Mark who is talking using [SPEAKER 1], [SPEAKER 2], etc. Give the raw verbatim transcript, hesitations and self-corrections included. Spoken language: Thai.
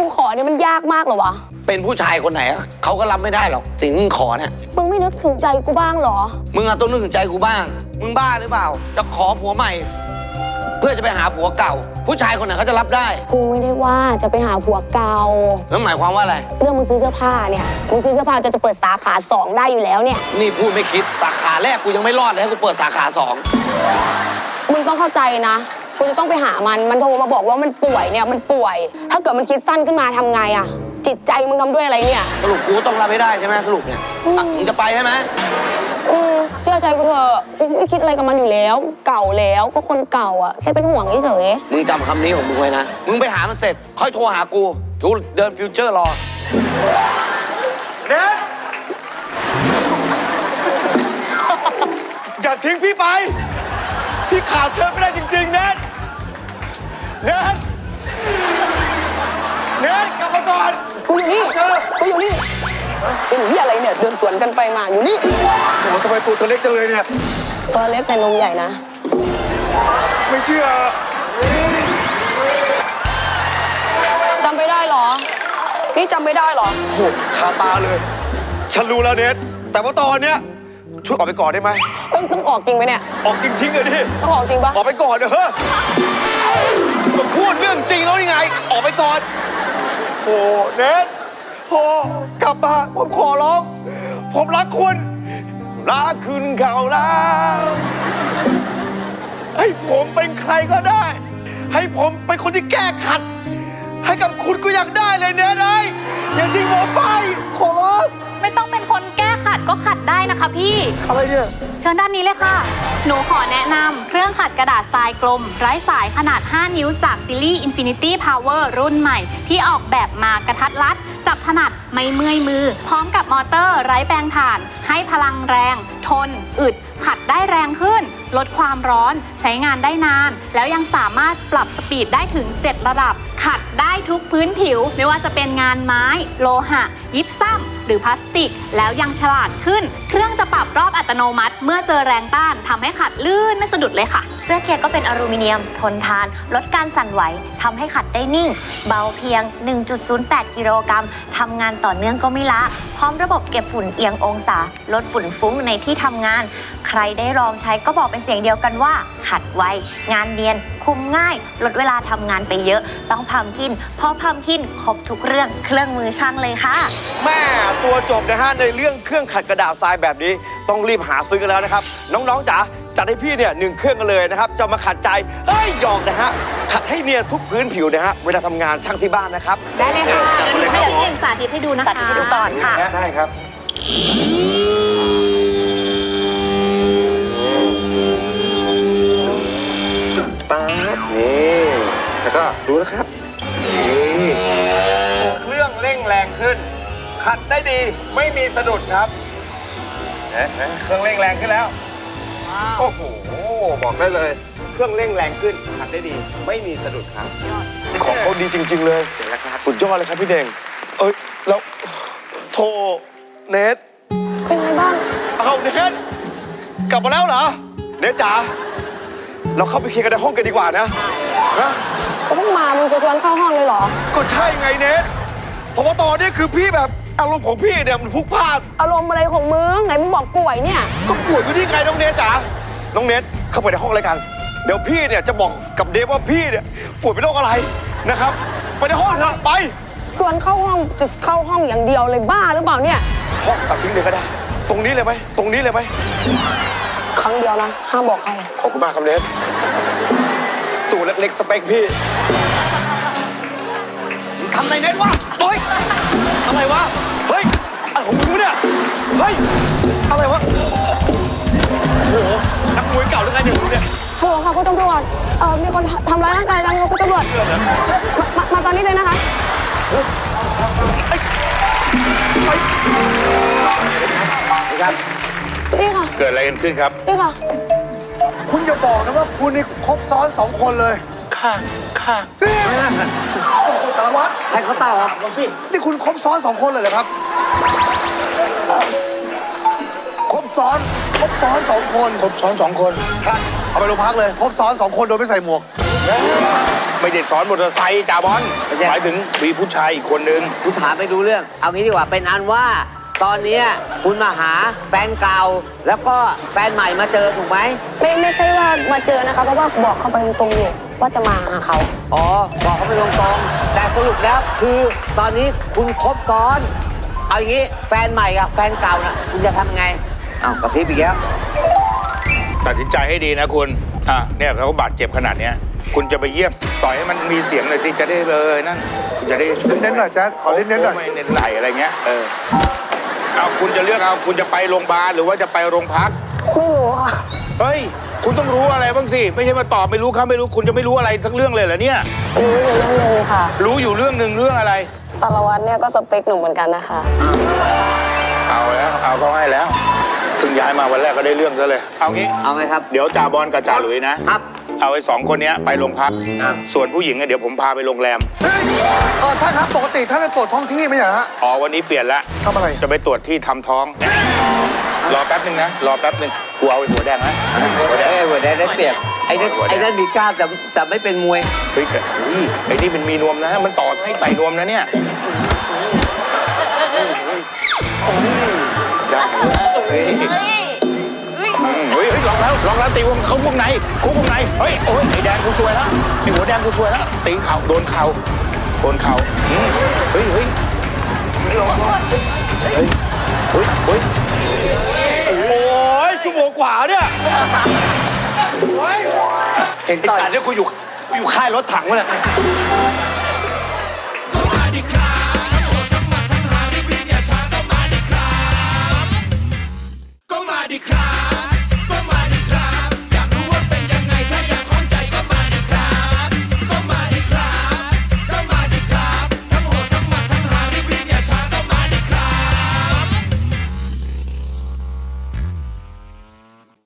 [SPEAKER 1] ขอเนี่ยมันยากมากเหรอวะ
[SPEAKER 2] เป็นผู้ชายคนไหนเขาก็รับไม่ได้หรอกสิ่งที่มึงขอเนี่ย
[SPEAKER 1] มึงไม่นึกถึงใจกูบ้างเหรอ
[SPEAKER 2] มึงอะต้องนึกถึงใจกูบ้างมึงบ้าหรือเปล่าจะขอผัวใหม่เพื่อจะไปหาผัวเก่าผู้ชายคนไหนเขาจะรับได้
[SPEAKER 1] กูไม่ได้ว่าจะไปหาผัวเก่า
[SPEAKER 2] แล้วหมายความว่าอะไร
[SPEAKER 1] เรื่องมึงซื้อเสื้อผ้าเนี่ยมึงซื้อเสื้อผ้าจะจะเปิดสาขาสองได้อยู่แล้วเนี่ย
[SPEAKER 2] นี่พูดไม่คิดสาขาแรกกูยังไม่รอดเลยให้กูเปิดสาขาสอง
[SPEAKER 1] มึงต้องเข้าใจนะกูจะต้องไปหามันมันโทรมาบอกว่ามันป่วยเนี่ยมันป่วยถ้าเกิดมันคิดสั้นขึ้นมาทำไงอะจิตใจมึงทำด้วยอะไรเนี่ย
[SPEAKER 2] สรุปกูต้องรับไม่ได้ใช่ไหมสรุปเนี่ยมึงจะไปใช่ไหม
[SPEAKER 1] อืมเชื่อใจกูเถอะกูไม่คิดอะไรกับมันอยู่แล้วเก่าแล้วก็คนเก่าอ่ะแค่เป็นห่วงเฉย
[SPEAKER 2] มึงจำคำนี้ของมึงไว้นะมึงไปหามันเสร็จค่อยโทรหากูกูเดินฟิวเจอร์รอ
[SPEAKER 3] เน็ตอย่าทิ้งพี่ไปพี่ขาดเธอไม่ได้จริงๆเน็ตเน็ตเน็ตกลับมาก่อน
[SPEAKER 1] กูอยู่นี่กูอยู่นี่เป็นที่อะไรเนี่ยเดินสวนกันไปมาอยู่นี่
[SPEAKER 3] โอ้โหทำไมตัวเธอเล็กจังเลยเนี่ย
[SPEAKER 1] ตัวเล็กแต่นมใหญ่นะ
[SPEAKER 3] ไม่เชื่อ
[SPEAKER 1] จำไม่ได้หรอพี่จำไม่ได้หรอ
[SPEAKER 3] โหคาตาเลยฉันรู้แล้วเน็ตแต่ว่าตอนเนี้ยช่วยออกไปก่อนได้ไหม
[SPEAKER 1] ต้องต้องออกจริงไหมเนี่ย
[SPEAKER 3] ออกจริงๆเลยดิ
[SPEAKER 1] ต้องออกจริงปะ
[SPEAKER 3] ออกไปก่อนเถอะผมพูดเรื่องจริงแล้วยังไงออกไปก่อนโอ้เน็ตโอ้กลับมาผมขอร้องผมรักคุณรักคุณเขาแล้วให้ผมเป็นใครก็ได้ให้ผมเป็นคนที่แก้ขัดให้กับคุณก็ยังได้เลยเนี่ยนายอย่าทิ้งผมไปขอร้อง
[SPEAKER 4] ไม่ต้องเป็นคนแก้ขัดก็ขัดได้นะคะพี่
[SPEAKER 3] อะไรเนี่ย
[SPEAKER 4] เชิญด้านนี้เลยค่ะหนูขอแนะนำเครื่องขัดกระดาษทรายกลมไร้สายขนาดห้านิ้วจากซีรีส์ Infinity Power รุ่นใหม่ที่ออกแบบมากระทัดรัดจับถนัดไม่เมื่อยมือพร้อมกับมอเตอร์ไร้แปลงถ่านให้พลังแรงทนอึดขัดได้แรงขึ้นลดความร้อนใช้งานได้นานแล้วยังสามารถปรับสปีดได้ถึงเจ็ดระดับขัดได้ทุกพื้นผิวไม่ว่าจะเป็นงานไม้โลหะยิปซัมหรือพลาสติกแล้วยังฉลาดขึ้นเครื่องจะปรับรอบอัตโนมัติเมื่อเจอแรงต้านทำให้ขัดลื่นไม่สะดุดเลยค่ะ
[SPEAKER 5] เสื้อเกียร์ก็เป็นอลูมิเนียมทนทานลดการสั่นไหวทำให้ขัดได้นิ่งเบาเพียง หนึ่งจุดศูนย์แปด กิโลกรัมทำงานต่อเนื่องก็ไม่ละพร้อมระบบเก็บฝุ่นเอียงองศาลดฝุ่นฟุ้งในที่ทำงานใครได้ลองใช้ก็บอกเป็นเสียงเดียวกันว่าขัดไวงานเนียนคุมง่ายลดเวลาทำงานไปเยอะต้องพัมคินเพราะพัมคินครบทุกเรื่องเครื่องมือช่างเลยค่ะ
[SPEAKER 3] แม่ตัวจบนะฮะในเรื่องเครื่องขัดกระดาษทรายแบบนี้ต้องรีบหาซื้อกันแล้วนะครับน้องๆจ๋าจัดให้พี่เนี่ยหนึ่งเครื่องกันเลยนะครับจะมาขัดใจเฮ้ยหยอกนะฮะขัดให้เนียนทุกพื้นผิวนะฮะเวลาทำงานช่างที่บ้านนะครับ
[SPEAKER 4] ได้เลยค่ะเดี๋ยวหนูให้พี่เก่งสาธิตให้ดูนะคะ
[SPEAKER 5] สาธิตให้ดูก่อนค่ะ
[SPEAKER 3] ได้ครับป๊าบนี่แล้วก็ดูนะครับนี่เครื่องเร่งแรงขึ้นขัดได้ดีไม่มีสะดุดครับเครื่องเร่งแรงขึ้นแล้วโอ้โหบอกได้เลยเครื่องเร่งแรงขึ้นขัดได้ดีไม่มีสะดุดครับของเขาดีจริงๆเลยเสียแล้วครับสุดยอดเลยครับพี่เด่งเอ้ยแล้วโทรเนท
[SPEAKER 1] เป็นไงบ้าง
[SPEAKER 3] เอาเนทกลับมาแล้วเหรอเนทจ๋าเราเข้าไปเคลียร์กันในห้องกันดีกว่านะนะ
[SPEAKER 1] ก็เพิ่งมามึงจะชวนเข้าห้องเลยเหรอ
[SPEAKER 3] ก็ใช่ไงเนทเพราะว่าตอนนี้คือพี่แบบอารมณ์ของพี่เนี่ยมันพลุกพล่าน
[SPEAKER 1] อารมณ์อะไรของมึงไหนมึงบอกป่วยเนี่ย
[SPEAKER 3] ก็ป่วยอยู่ที่ไงน้องเนทจ๋าน้องเนทเข้าไปในห้องเลยกันเดี๋ยวพี่เนี่ยจะบอกกับเดฟว่าพี่เนี่ยป่วยเป็นโรคอะไรนะครับไปในห้องเถอะไป
[SPEAKER 1] ชวนเข้าห้องจะเข้าห้องอย่างเดียวเลยบ้าหรือเปล่าเนี่ย
[SPEAKER 3] ห้องตัดทิ้งเลยก็ได้ตรงนี้เลยไหมตรงนี้เลยไหม
[SPEAKER 1] ครั้งเดียวนะห้ามบอกใคร
[SPEAKER 3] ขอบคุณมากครับเนทตัวเล็กๆสเปคพี่
[SPEAKER 2] ทำอะไรเน็ตวะ
[SPEAKER 3] โอ๊ยอะไรวะเฮ้ยอะไรของมึงเนี่ยเฮ้ยอะไรวะโอ้โหนักมวยเก่าหรือไงเนี่ยมึงเนี่ย
[SPEAKER 1] ฮัลโหลค่ะคุณตำรวจเอ่อมีคนทำร้ายร่างกายกันค่ะคุณตำรวจมามาตอนนี้เลยนะคะ
[SPEAKER 3] นี่ครับ
[SPEAKER 1] นี่ค่ะ
[SPEAKER 3] เกิดอะไรกันขึ้นครับ
[SPEAKER 1] นี่ค่ะ
[SPEAKER 6] คุณจะบอกนะว่าคุณนี่ครบซ้อนสองคนเลย
[SPEAKER 3] ค่ะค่ะ
[SPEAKER 6] สารวัตร
[SPEAKER 2] ให้เขาตอบ
[SPEAKER 6] ลองสินี่คุณครบซ้อนสองคนเลยเหรอครับครบซ้อนครบซ้อนสองคน
[SPEAKER 2] ครบซ้อนสองคน
[SPEAKER 6] ค่ะเอาไปโรงพักเลยครบซ้อนสองคนโดยไม่ใส่หมวก
[SPEAKER 3] ไม่ได้ซ้อนมอเตอร์ไซค์จ่าบอลหมายถึงมีผู้ชายอีกคนนึง
[SPEAKER 7] คุณถามไม่รู้เรื่อง เอางี้ดีกว่าเป็นอันว่า ตอนเนี้ยคุณมาหาแฟนเก่า แล้วก็แฟนใหม่มาเจอถูกไหม
[SPEAKER 1] ไม่ไม่ใช่ว่ามาเจอนะคะเพราะว่าบอกเขาไปตรงๆอยู่ว่าจะมาหาเขา
[SPEAKER 7] อ๋อ บอกเขาไปตรงๆแต่สรุปแล้วคือตอนนี้คุณคบซ้อน เอาอย่างนี้แฟนใหม่กับแฟนเก่าน่ะคุณจะทำไงอ้าวกระพริบอีกแล้ว
[SPEAKER 3] ตัดสินใจให้ดีนะคุณอ่ะเนี่ยเขาบาดเจ็บขนาดเนี้ยคุณจะไปเยี่ยมต่อยให้มันมีเสียงหน่อยสิจะได้เลยนั่นคุณจะได้ช่วย
[SPEAKER 6] เน้นๆหน่อยแจ๊ดขอเน้นๆหน่อย
[SPEAKER 3] ไม่เน้นไหลอะไรเงี้ยเออเอาคุณจะเลือกเอาคุณจะไปโรงพยาบาลหรือว่าจะไปโรงพัก
[SPEAKER 1] ไม่รู้ค่ะ
[SPEAKER 3] เฮ้ยคุณต้องรู้อะไรบ้างสิไม่ใช่มาตอบไม่รู้ครับไม่รู้คุณจะไม่รู้อะไรสักเรื่องเลยเหรอเนี่ย
[SPEAKER 1] รู้อยู่เรื่องหนึงค่ะ
[SPEAKER 3] รู้อยู่เรื่องหนึ่งเรื่องอะไร
[SPEAKER 1] สารวัตรเนี่ยก็สเปคหนูเหมือนกันนะคะ
[SPEAKER 3] เอาแล้วเอาเขาให้แล้วเพิ่งย้ายมาวันแรกก็ได้เรื่องซะเลยเอางี้
[SPEAKER 7] เอาไหมครับ
[SPEAKER 3] เดี๋ยวจ่าบอลกับจ่าหลุยนะครับ เอาไอ้สองคนเนี้ยไปโรงพัก
[SPEAKER 7] ครับ
[SPEAKER 3] ส่วนผู้หญิงอะเดี๋ยวผมพาไปโรงแรม
[SPEAKER 6] เฮ้ยเออท่านครับปกติท่านจะตรวจท้องที่ไหมฮะ
[SPEAKER 3] อ๋อวันนี้เปลี่ยนละ
[SPEAKER 6] ทำอะไร
[SPEAKER 3] จะไปตรวจที่ทำท้อง รอแป๊บนึงนะรอแป๊บนึงกูเอาไอ้หัวแดงนะหัวแดง
[SPEAKER 7] เอ้ยหัวแดงได้เปรียบไอ้นั่นไอ้นั่นมีกล้ามแต่แต่ไม่เป็นมวย
[SPEAKER 3] เฮ้ยแต่เฮ้ยไอ้นี่มันมีนวมนะมันต่อให้ใส่นวมนะเนี่ยได้เฮ้ยอืมเฮ้ยเฮ้ยลองแล้วลองแล้วตีวงเขาวงในเขาวงในเฮ้ยโอ้ยไอ้แดงกูซวยแล้วไอ้หัวแดงกูซวยแล้วตีเข่าโดนเข่าโดนเข่าอืมเฮ้ยเฮ้ยเฮ้ยเฮ้ยเฮ้ยเฮ้ย
[SPEAKER 8] โอ้ยชั่วโมงกว่าเนี่ย
[SPEAKER 7] เห็น
[SPEAKER 8] ไอ้
[SPEAKER 7] ต่อย
[SPEAKER 8] สัตว์เนี่ยกูอยู่กูอยู่ค่ายรถถังวะเนี่ย